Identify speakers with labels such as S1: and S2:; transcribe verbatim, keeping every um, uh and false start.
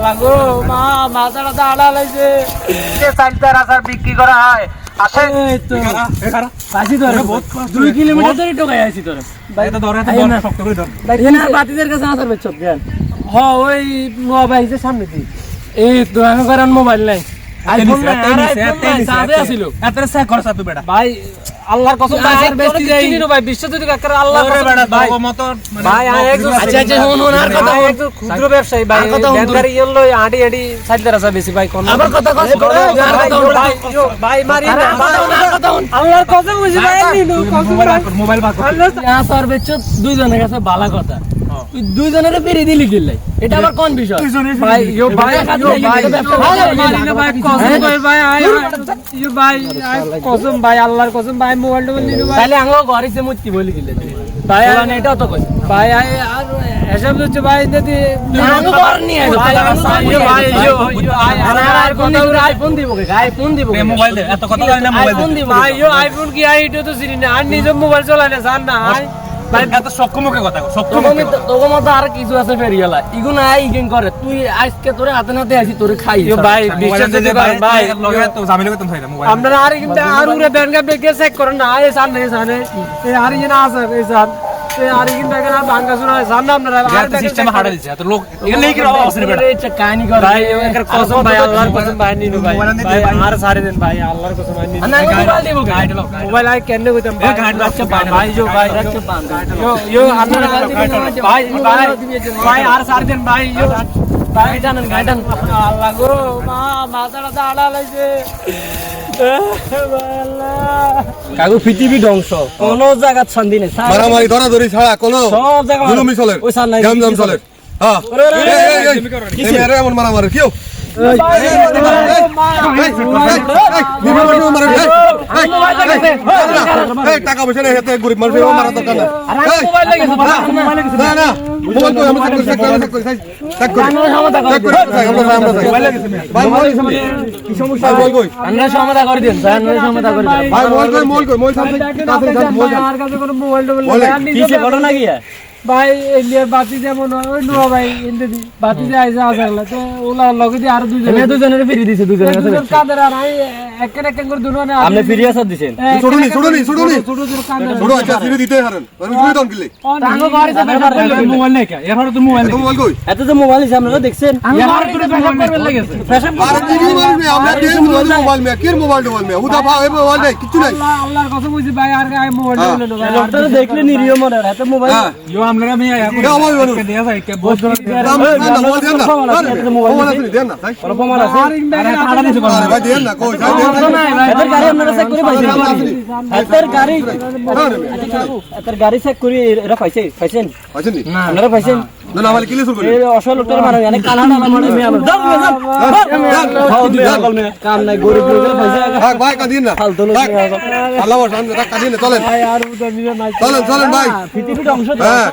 S1: আল্লাহ গো মা মাথাটা দাঁড়া লাগছে
S2: যে চালতার আচার বিক্রি করা হয় আসেন
S1: এই তো কাশি ধরে দুই কিলোমিটার ধরে টোকাই আছি তোরে
S3: ভাই এটা ধরে এটা শক্ত করে ধর
S1: এখানে বাতিদের কাছে আসার বেচ জ্ঞান হ ওই মোবাইল যে সামনে দি এই তো আমি করার মোবাইল নাই আইফোন নাই আইফোন সাদে আছিল
S3: এতরে সে খরচ তুই বেটা
S1: ভাই আল্লাহর কসম ভাই আর বেস্টি যাই চিনি ভাই বিশ্ব যদি কাকার আল্লাহর কসম ভাই
S3: মত
S1: ভাই আমি একজন আচ্ছা আচ্ছা হুন হুন আর কথা একজন ক্ষুদ্র ব্যবসায়ী ভাই ব্যাংকারি ইয়েলো আড়ি আড়ি সাইডের আছে বেশি ভাই কোন আবার কথা কস ভাই ভাই মারি না আল্লাহর কসম বুঝি ভাই নিনু
S3: মোবাইল বার কর
S1: ইয়া স্যার বেচ দুইজনের কাছে ভালো কথা তুই দুইজনের পেরি দিলি দিলাই এটা আবার কোন বিষয় ভাই ইয়ো ভাই ইয়ো ভাই মারি না ভাই কসম ভাই ভাই ইয়ো ভাই কসম ভাই আল্লাহর কসম ভাই মোবাইলটা বলি নিনু ভাই তাহলে আঙ্গো ঘরে সে মুতি বলি দিলে ভাই আর এটা তো কই ভাই আর এসব হচ্ছে ভাই যদি আঙ্গো ঘর নিয়ে ভাই ভাই ইয়ো আর আর কোন আইফোন দিব কে আইফোন দিব
S3: মোবাইল দে এত কথা জানি না মোবাইল
S1: আইফোন দিব ভাই ইয়ো আইফোন কি আই এটা তো চিনি না আর নিজে মোবাইল চালায় না জান না
S3: ভাই এত সক্ষমকে কথা সক্ষম
S1: তোর মতো আর কিছু আছে ফেরিয়ালা ইগো না ইগেন করে তুই আজকে তোরে হাতে নাতে আসি তোরে খাই ভাই বিশ্বাস যদি করেন ভাই
S3: লগে তো জামিল করতে চাই না মোবাইল
S1: আপনারা আর কিন্তু আর উরে ব্যাংকে বেকে চেক করেন না এই সামনে এই সামনে এই আর ইনা আছে এই সামনে এই আর কিন্তু এখানে ভাঙা শুরু হয় সামনে আপনারা আর
S3: সিস্টেম হাড়া দিছে এত লোক এখানে কি রাও আছে বেটা
S1: এই কাহিনী করে ভাই এর কসম ভাই আল্লাহর কসম ভাই নিনু ভাই ভাই আর সারে দেন ভাই আল্লাহর কসম ভাই নিনু না মোবাইল দিব guide low mobile I can কইতাম ভাই গাইড রাখছে ভাই যো ভাই রাখছে ইয়ো ইয়ো আপনারা ভাই ভাই ভাই আর সারে দেন ভাই ইয়ো ভাই জানেন গাইডান আল্লাহ গো মা মাথাটা দাঁড়া লাগছে কাগু পৃথিবী ধ্বংস কোন জায়গা শান্তি নেই
S4: মারামারি ধরাধরি ছাড়া কোনো
S1: সব জায়গা
S4: জুলুমি চলে
S1: ওই সার নাই
S4: জামজাম চলে হ্যাঁ এই মেরে এমন মারামারি কিও টাকা পয়সা নেই হাতে গরিব মানুষ মারা দরকার না না না মোবাইল তো আমি চেক করি চেক করি চেক করি চেক করি ভাই মোবাইল কি সমস্যা বল কই
S1: আমরা সমাধান করে দেন স্যার আমরা সমাধান করে দেন
S4: ভাই মোবাইল কই মোবাইল কই মোবাইল সামনে কাছে মোবাইল
S1: আমার কাছে কোনো মোবাইল টোবাইল নেই কিসে ঘটনা কি ভাই এলিয়ার বাতি যেমন ওই নুয়া ভাই এন্ডে দি বাতি যে আইসা আসলে তো ওলা লগে দি আর দুইজন এনে দুইজনের ফ্রি দিছে দুইজনের কাছে দুইজন কাদের আর আই এক এক করে দুনো না আপনি ফ্রি আসা দিবেন
S4: ছোড়নি ছোড়নি ছোড়নি
S1: ছোট ছোট কাদের
S4: ছোড়ো আচ্ছা ফ্রি দিতে হারেন আমি তুমি দন কিলে
S1: টাঙ্গো ঘরে যাবে
S3: মোবাইল নাই কা এর তো মোবাইল
S4: তো মোবাইল কই
S1: এত তো মোবাইল আছে আপনারা দেখছেন এর তো পেশাব করবে লাগেছে পেশাব
S4: আর কি মোবাইল মে আমরা দেন মোবাইল মে কি মোবাইল মোবাইল মে উদা ভাই মোবাইল নাই কিছু নাই
S1: আল্লাহ আল্লাহর কথা বুঝি ভাই আর গায় মোবাইল হলো ভাই লোকটা দেখলে নিরিয় মনে এত মোবাইল
S3: ইয়ো আমরা আমি দেয়া যায় কে বহুত
S4: মোবাইল দেন না মোবাইল আছে দেন না তাই
S1: প্রমাণ আছে
S3: আড়া দিছে
S4: ভাই দেন না কই
S1: এদের গাড়ি আপনারা চেক করে পাইছেন এদের গাড়ি এদের গাড়ি চেক করে এরা পাইছে পাইছেন
S4: আছেন নি
S1: না আপনারা পাইছেন
S4: না না আমাকে কিলে শুরু করি
S1: এই অসল লোকের মানে অনেক কানা না মানে মে আমরা দাও দাও কাম নাই গরিব লোকের পয়সা
S4: ভাই ভাই কাদিন না
S1: ফালতু লোক
S4: আল্লাহ ওর সামনে কাদিন না চলেন
S1: ভাই আর উদর নিয়ে নাই
S4: চলেন চলেন ভাই
S1: পৃথিবীর অংশ